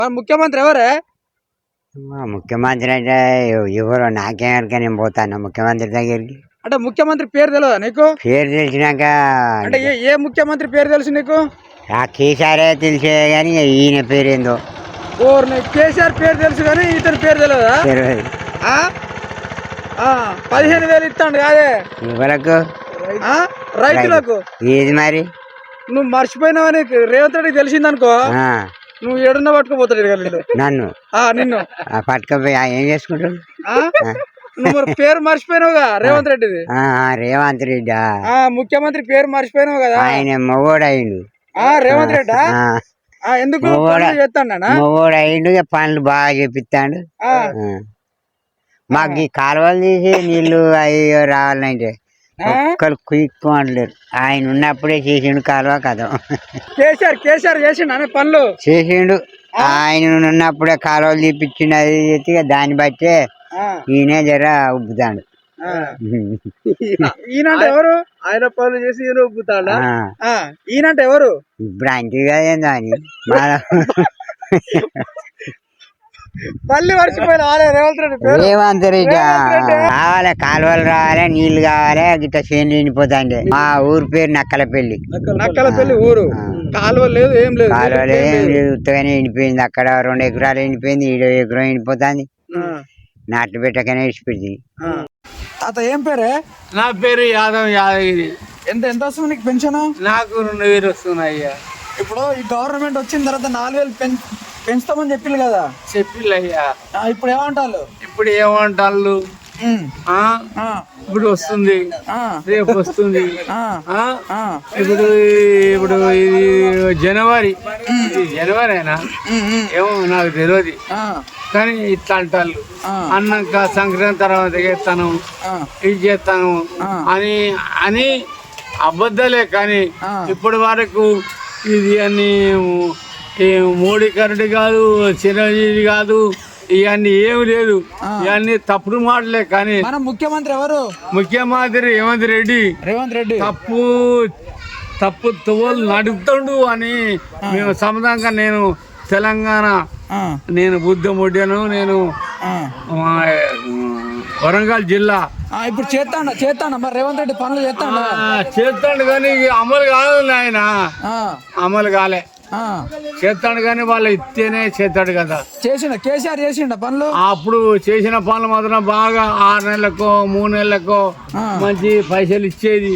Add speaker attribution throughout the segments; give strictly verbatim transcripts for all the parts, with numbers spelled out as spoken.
Speaker 1: ముఖ్యమంత్రి ఎవరే?
Speaker 2: ముఖ్యమంత్రి అంటే ఎవరో నాకేమరికా నేను పోతాను ముఖ్యమంత్రి దగ్గరికి.
Speaker 1: అంటే ముఖ్యమంత్రి పేరు తెలియదా నీకు?
Speaker 2: పేరు తెలిసినాక
Speaker 1: అంటే ఏ ఏ ముఖ్యమంత్రి పేరు తెలుసు నీకు?
Speaker 2: ఆ కేసీఆర్ తెలిసే కానీ ఈయన పేరు ఏందో.
Speaker 1: ఓర్ని కేసీఆర్ పేరు తెలుసు కానీ ఇతని పేరు తెలియదా?
Speaker 2: తెలియదు.
Speaker 1: పదిహేను వేలు ఇస్తాడు కాదే
Speaker 2: ఎవరకు?
Speaker 1: రైతులకు.
Speaker 2: ఏది మరి
Speaker 1: నువ్వు మర్చిపోయినావని రేవంత్ రెడ్డికి తెలిసిందనుకో, నువ్వు ఏడున్నా పట్టుకోపోతాడు
Speaker 2: నన్ను.
Speaker 1: నిన్ను
Speaker 2: పట్టుకపోయి ఏం చేసుకుంటాడు?
Speaker 1: నువ్వు పేరు మర్చిపోయినావుగా రేవంత్ రెడ్డిది.
Speaker 2: రేవంత్ రెడ్డి
Speaker 1: ముఖ్యమంత్రి పేరు మర్చిపోయినావు కదా.
Speaker 2: ఆయన మొగోడు అయిండు
Speaker 1: రేవంత్ రెడ్డి. ఎందుకు చేస్తాడు?
Speaker 2: మొగోడు అయిండు, పనులు బాగా చేపిస్తాడు. మాకు ఈ కాలువలు తీసి నీళ్లు అయ్యో రావాలంటే ఒక్కరు కుయ్యలేరు. ఆయన ఉన్నప్పుడే చేసిండు కాలువ కదా.
Speaker 1: కేసీఆర్ కేసీఆర్ చేసిండు పనులు చేసిండు.
Speaker 2: ఆయన ఉన్నప్పుడే కాలువలు తీపిచ్చిండు. అది చేసి దాన్ని బట్టే ఈయన జర ఉబ్బుతాడు.
Speaker 1: ఈయనంటే ఎవరు? ఆయన పనులు చేసి ఈయన ఉబ్బుతాడా? ఈయనంటే ఎవరు?
Speaker 2: ఇప్పుడు ఆయనకి కదేందో అని
Speaker 1: మళ్ళీ మర్చిపోయిన రేవంత్ రెడ్డి.
Speaker 2: రేవంత్ రెడ్డి కావాలి, కాలువలు రావాలి, నీళ్లు కావాలి, గిట్ట చేనులు ఎండిపోతాండి. మా ఊరు పేరు నక్కలపల్లి.
Speaker 1: నక్కలపల్లి ఊరు. కాలువ లేదు, ఏం లేదు.
Speaker 2: కాలువలు ఏం లేదు, ఉత్తగానే ఎండిపోయింది. అక్కడ రెండు ఎకరాలు ఎండిపోయింది, ఈడో ఎకరం ఎండిపోతుంది. నాట్లు పెట్టకనే ఇచ్చిపెట్టి.
Speaker 1: తాత ఏం పేరే?
Speaker 3: నా పేరు యాదవ్ యాదగిరి.
Speaker 1: ఎంత ఎంత వస్తుంది నీకు పెన్షన్?
Speaker 3: నాకు రెండు వేలు వస్తున్నాయి.
Speaker 1: ఇప్పుడు ఈ గవర్నమెంట్ వచ్చిన తర్వాత నాలుగు వేలు పెన్ పెంచుతామని చెప్పిల్లు కదా.
Speaker 3: చెప్పిల్లు అయ్యా.
Speaker 1: ఇప్పుడు ఏమంటారు?
Speaker 3: ఇప్పుడు ఏమంటారు? ఇప్పుడు వస్తుంది, రేపు వస్తుంది. ఇప్పుడు ఇప్పుడు ఇది జనవరి జనవరినా ఏమో నాకు తెలియదు, కానీ ఇట్లా అంటారు. అన్నాక సంక్రాంతి తర్వాత చేస్తాను, ఇది చేస్తాను అని అని అబద్ధాలే. కానీ ఇప్పటి వరకు ఇది అని మోడీ కరెంట్ కాదు, చిరంజీవి కాదు, ఇవన్నీ ఏమి లేదు. ఇవన్నీ తప్పుడు మాటలే. కానీ
Speaker 1: మన ముఖ్యమంత్రి ఎవరు?
Speaker 3: ముఖ్యమంత్రి రేవంత్ రెడ్డి.
Speaker 1: రేవంత్ రెడ్డి
Speaker 3: తప్పు తప్పు తువ్వలు నడుపుతాడు అని మేము సమాధానంగా. నేను తెలంగాణ, నేను బుద్ధముడ్డను, నేను వరంగల్ జిల్లా.
Speaker 1: ఇప్పుడు చేస్తాడు చేస్తాడు మరి రేవంత్ రెడ్డి పనులు చేస్తాడు
Speaker 3: చేస్తాడు కానీ అమలు కాదు. ఆయన అమలు కాలే. చేస్తాడు కానీ వాళ్ళు ఇస్తేనే చేస్తాడు కదా.
Speaker 1: చేసిన కేసీఆర్ చేసిండ పనులు.
Speaker 3: అప్పుడు చేసిన పనులు మాత్రం బాగా ఆరు నెలలకో మూడు నెలలకో మంచి పైసలు ఇచ్చేది.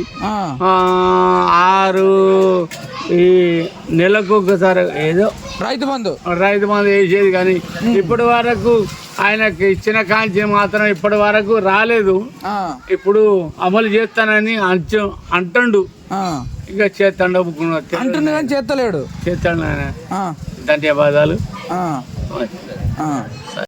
Speaker 3: ఆరు ఈ నెలకు ఒకసారి ఏదో
Speaker 1: రైతు బంధు
Speaker 3: రైతు బంధు వేసేది. కానీ ఇప్పటి వరకు ఆయనకి ఇచ్చిన కాంచి మాత్రం ఇప్పటి వరకు రాలేదు. ఇప్పుడు అమలు చేస్తానని అంచు అంటుండు. ఇక చేస్తాడు
Speaker 1: అంటున్నా కానీ చేస్తలేడు.
Speaker 3: చేస్తాడు ఆయన. ధన్యవాదాలు.